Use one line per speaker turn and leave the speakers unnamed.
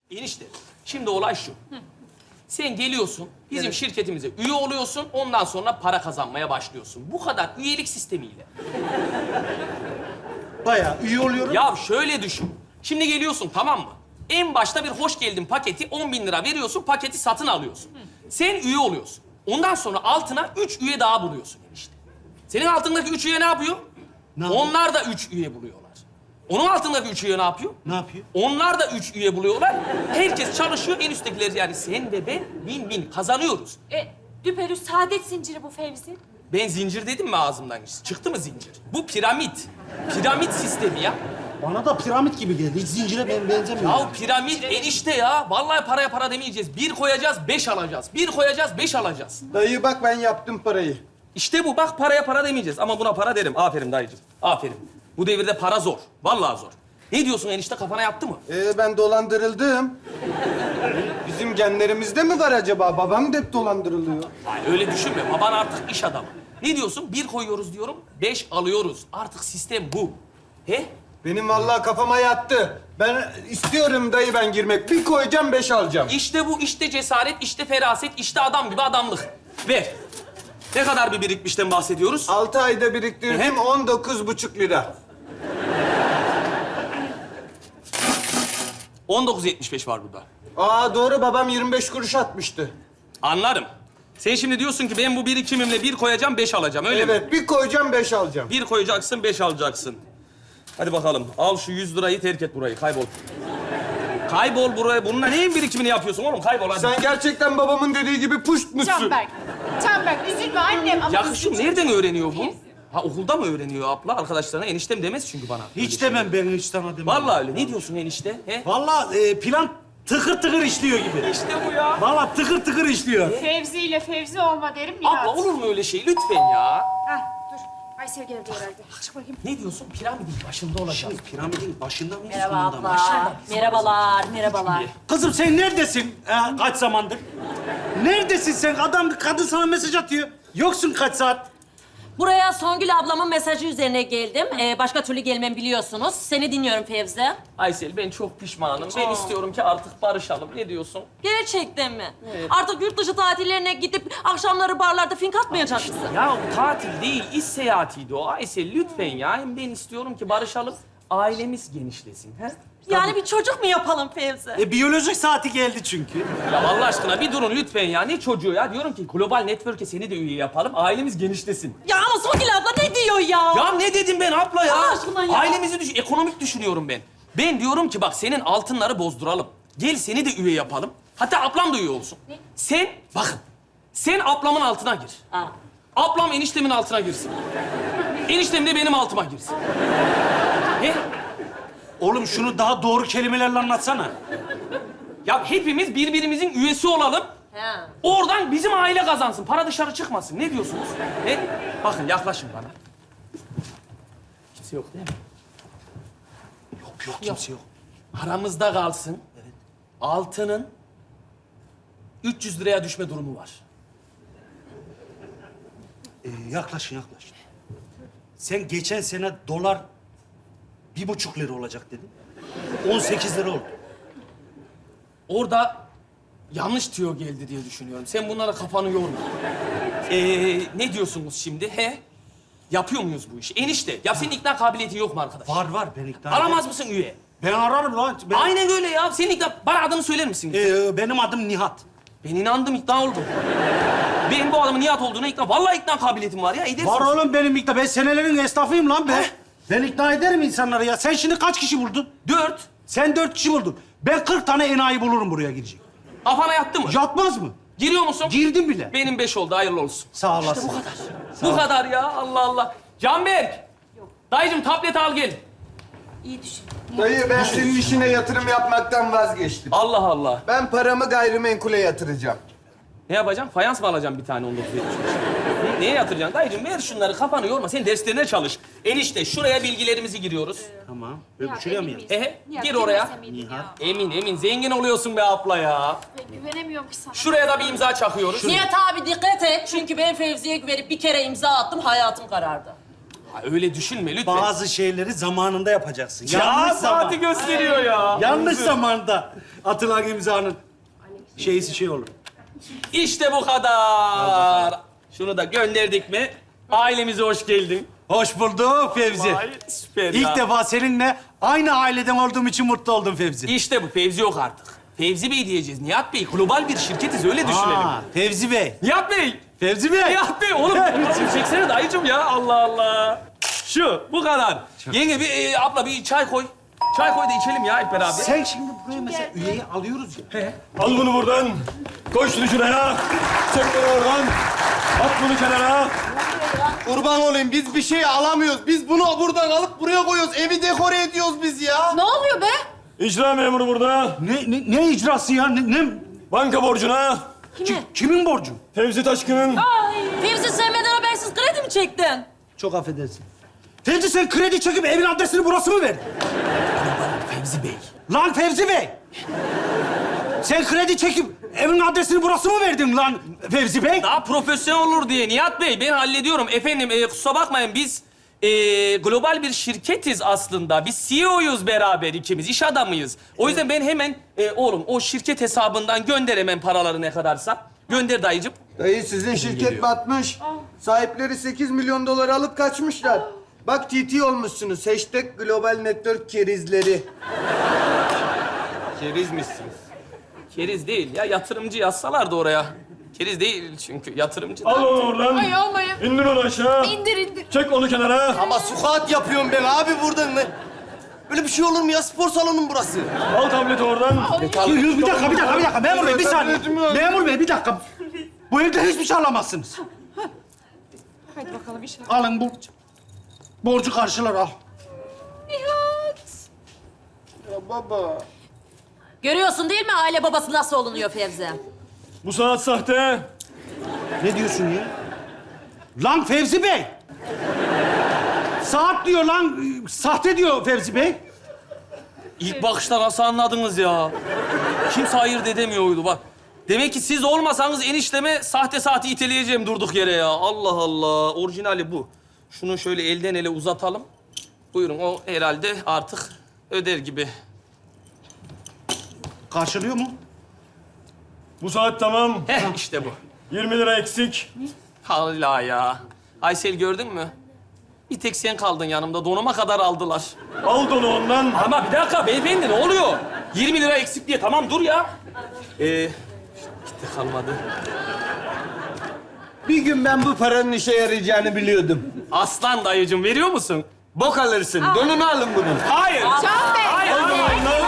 Enişte, şimdi olay şu. Sen geliyorsun, bizim şirketimize üye oluyorsun, ondan sonra para kazanmaya başlıyorsun. Bu kadar üyelik sistemiyle.
Bayağı üye oluyorum.
Ya şöyle düşün. Şimdi geliyorsun, tamam mı? En başta bir hoş geldin paketi 10.000 lira veriyorsun, paketi satın alıyorsun. Sen üye oluyorsun. Ondan sonra altına 3 üye daha buluyorsun enişte. Senin altındaki 3 üye ne yapıyor?
Ne yapıyor?
Onlar da 3 üye buluyorlar. Onun altındaki 3 üye ne yapıyor?
Ne yapıyor?
Onlar da 3 üye buluyorlar. Herkes çalışıyor, en üsttekiler yani sen ve ben win-win kazanıyoruz.
Düpedüz saadet zinciri bu Fevzi.
Ben zincir dedim mi ağzımdan? Çıktı mı zincir? Bu piramit. Piramit sistemi ya.
Bana da piramit gibi geldi. Hiç zincire benzemiyor.
Ya piramit enişte ya. Vallahi paraya para demeyeceğiz. 1 koyacağız, 5 alacağız. 1 koyacağız, 5 alacağız.
Dayı bak ben yaptım parayı.
İşte bu. Bak paraya para demeyeceğiz. Ama buna para derim. Aferin dayıcığım. Aferin. Bu devirde para zor. Vallahi zor. Ne diyorsun enişte? Kafana yattı mı?
Ben dolandırıldım. Bizim genlerimizde mi var acaba? Babam da hep dolandırılıyor.
Ay öyle düşünme. Baban artık iş adamı. Ne diyorsun? 1 koyuyoruz diyorum, 5 alıyoruz. Artık sistem bu. He?
Benim vallahi kafama yattı. Ben istiyorum dayı ben girmek. Bir koyacağım 5 alacağım.
İşte bu, işte cesaret, işte feraset, işte adam gibi adamlık. Ver. Ne kadar bir birikmişten bahsediyoruz?
6 ayda biriktirdim 19,5 lira.
19.75 var burada.
Aa doğru babam 25 kuruş atmıştı.
Anlarım. Sen şimdi diyorsun ki ben bu birikimimle 1 koyacağım, 5 alacağım, öyle mi?
Evet bir koyacağım 5 alacağım.
1 koyacaksın, 5 alacaksın. Hadi bakalım. Al şu 100 lirayı, terk et burayı. Kaybol. Kaybol buraya. Bununla neyin birikimini yapıyorsun oğlum? Kaybol hadi.
Sen gerçekten babamın dediği gibi puşt musun?
Canberk üzülme annem ama...
Yakışım nereden öğreniyor bu? Ha okulda mı öğreniyor abla arkadaşlarına? Eniştem demez çünkü bana.
Hiç demem ben hiç sana demem.
Vallahi öyle. Ne diyorsun enişte? He?
Vallahi plan tıkır tıkır işliyor gibi.
İşte bu ya.
Vallahi tıkır tıkır işliyor.
Fevzi ile Fevzi olma derim Nihat.
Abla olur mu öyle şey? Lütfen ya.
Heh, dur. Aysel geldi herhalde. Çık bakayım.
Ne diyorsun? Piramidin başında olacağız.
Piramidin başında mıyız?
Merhaba
sonunda mı?
abla. Merhabalar, merhabalar.
Kızım sen neredesin? Kaç zamandır? Neredesin sen? Adam, kadın sana mesaj atıyor. Yoksun kaç saat?
Buraya Songül ablamın mesajı üzerine geldim. Başka türlü gelmem biliyorsunuz. Seni dinliyorum Fevzi.
Aysel ben çok pişmanım. Ben istiyorum ki artık barışalım. Ne diyorsun?
Gerçekten mi? Artık yurt dışı tatillerine gidip akşamları barlarda fink atmayacak mısın?
Ya tatil değil, iş seyahatiydi o. Aysel lütfen ya. Hem ben istiyorum ki barışalım. Ailemiz genişlesin. He?
Yani bir çocuk mu yapalım Fevzi?
Biyolojik saati geldi çünkü.
Ya Allah aşkına bir durun lütfen ya. Ne çocuğu ya? Diyorum ki global network'e seni de üye yapalım. Ailemiz genişlesin.
Ya ama Songül abla ne diyor ya?
Ya ne dedim ben abla ya?
Allah aşkına ya.
Ailemizi ekonomik düşünüyorum ben. Ben diyorum ki bak senin altınları bozduralım. Gel seni de üye yapalım. Hatta ablam da üye olsun. Sen, bakın. Sen ablamın altına gir.
Ha.
Ablam eniştemin altına girsin. Eniştem de benim altıma girsin. He?
Oğlum şunu daha doğru kelimelerle anlatsana.
Ya hepimiz birbirimizin üyesi olalım.
He.
Oradan bizim aile kazansın. Para dışarı çıkmasın. Ne diyorsunuz? He? Bakın yaklaşın bana. Kimse yok değil mi?
Yok kimse yok.
Aramızda kalsın. Evet. Altının 300 liraya düşme durumu var.
Yaklaşın. Sen geçen sene dolar 1,5 lira olacak dedin. 18 lira oldu.
Orada yanlış tüyo geldi diye düşünüyorum. Sen bunlara kafanı yorma. Ne diyorsunuz şimdi? He? Yapıyor muyuz bu işi? Enişte, ya senin ikna kabiliyetin yok mu arkadaş?
Var ben ikna
Aramaz
ederim.
mısın üye?
Ben ararım lan.
Aynen öyle ya. Senin ikna... Bana adını söyler misin?
Benim adım Nihat.
Ben inandım, ikna oldum. Ben bu adamın Nihat olduğuna ikna... Vallahi ikna kabiliyetim var ya. Edersin.
Var oğlum benim ikna. Ben senelerin esnafıyım lan be.
Heh.
Ben ikna ederim insanları ya. Sen şimdi kaç kişi buldun?
4.
Sen 4 kişi buldun. Ben 40 tane enayi bulurum buraya girecek.
Kafana yattı mı?
Yatmaz mı?
Giriyor musun?
Girdim bile.
Benim 5 oldu, hayırlı olsun.
Sağ olasın.
İşte bu kadar. Bu kadar ya, Allah Allah. Canberk! Dayıcığım tablet al gel.
İyi düşün.
Dayı ben senin işine yatırım yapmaktan vazgeçtim.
Allah Allah.
Ben paramı gayrimenkule yatıracağım.
Ne yapacaksın? Fayans mı alacaksın bir tane 19.75? Neye yatıracaksın? Dayıcığım ver şunları, kafanı yorma. Sen derslerine çalış. Enişte şuraya bilgilerimizi giriyoruz.
Tamam. Böyle şuraya mı yazdın?
Gir oraya. Emin. Zengin oluyorsun be abla ya.
Ben güvenemiyorum ki sana.
Şuraya da bir imza çakıyoruz.
Nihat abi dikkat et. Çünkü ben Fevzi'ye güvenip bir kere imza attım, hayatım karardı.
Ha, öyle düşünme lütfen.
Bazı şeyleri zamanında yapacaksın.
Ya
Yanlış
saati
zaman.
gösteriyor ya.
Yanlış zamanda atılan imzanın şeysi şey olur.
İşte bu kadar. Şunu da gönderdik mi? Ailemize hoş geldin.
Hoş bulduk Fevzi.
Vay, süper
İlk
ya.
defa seninle aynı aileden olduğum için mutlu oldum Fevzi.
İşte bu. Fevzi yok artık. Fevzi Bey diyeceğiz. Nihat Bey global bir şirketiz. Öyle düşünelim.
Aa, Fevzi Bey.
Nihat Bey.
Fevzi Bey.
Nihat Bey oğlum. Çeksene dayıcım ya. Allah Allah. Şu. Bu kadar. Yenge bir abla bir çay koy. Çay koy da içelim ya hep beraber.
Sen şimdi buraya mesela üyeyi alıyoruz ya.
Al bunu buradan. Koy şunu şuraya. Çek bunu oradan. At bunu kenara.
Kurban olayım biz bir şey alamıyoruz. Biz bunu buradan alıp buraya koyuyoruz. Evi dekore ediyoruz biz ya.
Ne oluyor be?
İcra memuru burada.
Ne icrası ya? Ne?
Banka borcuna.
Kime?
Kimin borcu?
Fevzi Taşkın'ın.
Fevzi sevmeden habersiz kredi mi çektin?
Çok affedersin. Fevzi sen kredi çekip evin adresini burası mı verdin?
Fevzi Bey.
Lan Fevzi Bey! Sen kredi çekip evin adresini burası mı verdin lan Fevzi Bey?
Daha profesyonel olur diye Nihat Bey ben hallediyorum. Efendim kusura bakmayın biz global bir şirketiz aslında. Biz CEO'yuz beraber ikimiz, iş adamıyız. O yüzden ben hemen oğlum o şirket hesabından gönder hemen paraları ne kadarsa. Gönder dayıcım.
Dayı sizin şirket batmış. Sahipleri 8 milyon dolar alıp kaçmışlar. Bak TT olmuşsunuz. Hashtag Global Network kerizleri. Kerizmişsiniz.
Keriz değil ya yatırımcı yazsalardı oraya. Keriz değil çünkü yatırımcı.
Al onu oradan.
Ay olmayın.
İndir onu aşağı.
İndir indir.
Çek onu kenara.
Ama squat yapıyorum ben abi burada. Böyle bir şey olur mu ya? Spor salonu burası.
Al tableti oradan.
Bir dakika. Memur Bey bir saniye. Memur Bey bir dakika. Bu evde hiçbir şey alamazsınız.
Hadi bakalım inşallah.
Alın bu borcu karşılar al.
Nihat.
Ya baba.
Görüyorsun değil mi aile babası nasıl olunuyor Fevzi?
Bu saat sahte.
Ne diyorsun ya? Lan Fevzi Bey! Saat diyor lan, sahte diyor Fevzi Bey.
İlk bakışta nasıl anladınız ya? Kimse ayırt edemiyordu bak. Demek ki siz olmasanız enişteme sahte saati iteleyeceğim durduk yere ya. Allah Allah. Orijinali bu. Şunu şöyle elden ele uzatalım. Buyurun o herhalde artık öder gibi.
Karşılıyor mu?
Bu saat tamam.
Heh işte bu.
20 lira eksik.
Allah ya. Aysel gördün mü? Bir tek sen kaldın yanımda. Donuma kadar aldılar.
Al donu ondan.
Ama bir dakika beyefendi ne oluyor? 20 lira eksik diye. Tamam dur ya. İşte kalmadı.
Bir gün ben bu paranın işe yarayacağını biliyordum.
Aslan dayıcım veriyor musun?
Bok alırsın. Donunu alın bunun.
Hayır.
Can Bey.
Hayır.
Al donu ondan.